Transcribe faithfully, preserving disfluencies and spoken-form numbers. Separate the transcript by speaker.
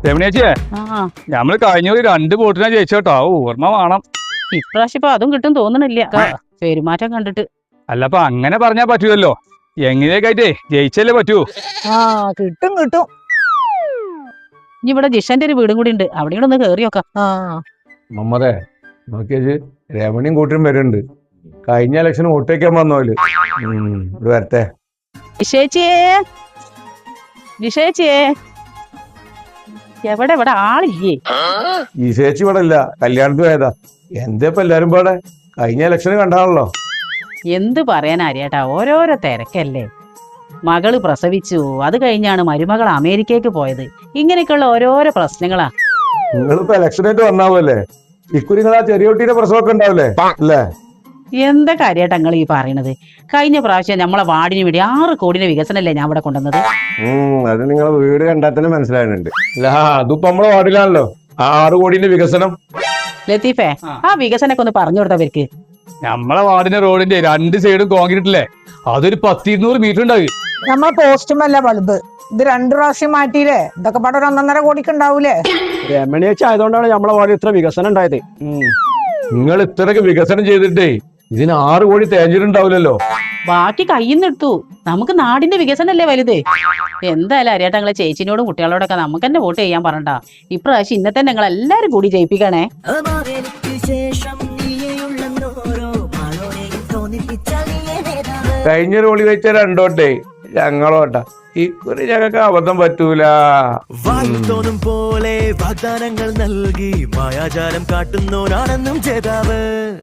Speaker 1: രമണിയേച്ചിയെ ഞമ്മള് കഴിഞ്ഞ ഒരു രണ്ട് വോട്ടിനാ ജയിച്ചോട്ടോ ഓർമ്മ വേണം.
Speaker 2: ഇപ്രാവശ്യം ഇപ്പൊ അതും കിട്ടും തോന്നണില്ല പെരുമാറ്റം കണ്ടിട്ട്.
Speaker 1: അല്ലപ്പ അങ്ങനെ പറഞ്ഞാ പറ്റൂലല്ലോ, എങ്ങനെയൊക്കെ ജയിച്ചല്ലേ പറ്റൂ.
Speaker 3: ആ കിട്ടും കിട്ടും.
Speaker 2: ഇനി ഇവിടെ ജിഷന്റെ ഒരു വീടും കൂടി ഉണ്ട്, അവിടെ കൂടെ ഒന്ന് കേറി നോക്കാം.
Speaker 3: ആ
Speaker 4: മമ്മതേ നോക്കിയേച്ച് രമണിയും കൂട്ടിയും വരുന്നുണ്ട്. കഴിഞ്ഞ ഇലക്ഷൻ വോട്ടേക്കാൻ വന്നോല് ഇത് വരട്ടെ.
Speaker 2: ജിഷേച്ചിയേ ജിഷേച്ചിയേ എവിടെ ഇവിടെ ആളില്ലേ?
Speaker 4: ഈ ചേച്ചി ഇവിടെ ഇല്ല, കല്യാണത്തിന് പോയതാ. എന്താ ഇപ്പൊ എല്ലാരും പാടെ കഴിഞ്ഞ ഇലക്ഷന് കണ്ടാണല്ലോ.
Speaker 2: എന്ത് പറയാൻ അറിയാട്ടാ, ഓരോരോ തിരക്കല്ലേ. മകള് പ്രസവിച്ചു, അത് കഴിഞ്ഞാണ് മരുമകൾ അമേരിക്കക്ക് പോയത്. ഇങ്ങനെയൊക്കെയുള്ള ഓരോരോ പ്രശ്നങ്ങളാ.
Speaker 4: നിങ്ങളിപ്പോ ഇലക്ഷനായിട്ട് വന്നാവല്ലേ, ഇക്കുറി നിങ്ങൾ ആ ചെറിയ കുട്ടീന്റെ പ്രസവമൊക്കെ ഉണ്ടാവില്ലേ അല്ലേ?
Speaker 2: എന്താ കാര്യാട്ടാ നിങ്ങൾ ഈ പറയണത്? കഴിഞ്ഞ പ്രാവശ്യം നമ്മളെ വാർഡിന് വേണ്ടി ആറ് കോടിയുടെ വികസനല്ലേ ഞാൻ ഇവിടെ കൊണ്ടുവന്നത്.
Speaker 4: ഉം അത് നിങ്ങളെ വീട് കണ്ടാൽ തന്നെ മനസ്സിലാകുന്നുണ്ട്. അല്ല അതിപ്പോ നമ്മളെ വാർഡിലാണല്ലോ ആ ആറ് കോടിന്റെ വികസനം.
Speaker 2: ലത്തീഫേ, ആ വികസനൊക്കെ ഒന്ന് പറഞ്ഞു കൊടുത്തവർക്ക്.
Speaker 1: നമ്മളെ വാർഡിന്റെ റോഡിന്റെ രണ്ട് സൈഡും കോൺക്രീറ്റ് അല്ലേ, അതൊരു പത്തിരുന്നൂറ് മീറ്റർ ഉണ്ടാവും.
Speaker 3: നമ്മളെ പോസ്റ്റുമല്ല ബൾബ്, ഇത് രണ്ടു പ്രാവശ്യം മാറ്റിയില്ലേ, ഇതൊക്കെ പാടെ ഒരു ഒന്നൊന്നര കോടിക്ക് ഉണ്ടാവൂലേ.
Speaker 5: രമണിയേച്ചി ആയതുകൊണ്ടാണ് നമ്മളെ വാർഡിൽ ഇത്ര വികസനം ഉണ്ടായത്.
Speaker 4: നിങ്ങൾ ഇത്രയൊക്കെ വികസനം ചെയ്തിട്ടേ ഇതിന് ആറ് കോടി തേഞ്ഞിട്ടുണ്ടാവില്ലല്ലോ.
Speaker 2: ബാക്കി കയ്യിന്ന് എടുത്തു. നമുക്ക് നാടിന്റെ വികസനല്ലേ വലുത്. എന്തായാലും അറിയാട്ടെ നിങ്ങളെ ചേച്ചിനോടും കുട്ടികളോടൊക്കെ നമുക്ക് തന്നെ വോട്ട് ചെയ്യാൻ പറഞ്ഞ. ഇപ്രാവശ്യം ഇന്നത്തെ നിങ്ങൾ എല്ലാരും കൂടി ജയിപ്പിക്കണേ.
Speaker 4: കഴിഞ്ഞ റോളി വെച്ച രണ്ടോട്ടെ ഞങ്ങളോട്ടാ, ഇക്കുറി ഞങ്ങൾക്ക് അബദ്ധം പറ്റൂല.
Speaker 6: വായുത്തോന്നും പോലെ വാഗ്ദാനങ്ങൾ നൽകി മായാജാലം കാട്ടുന്നോരാണെന്നും ജേതാവ്.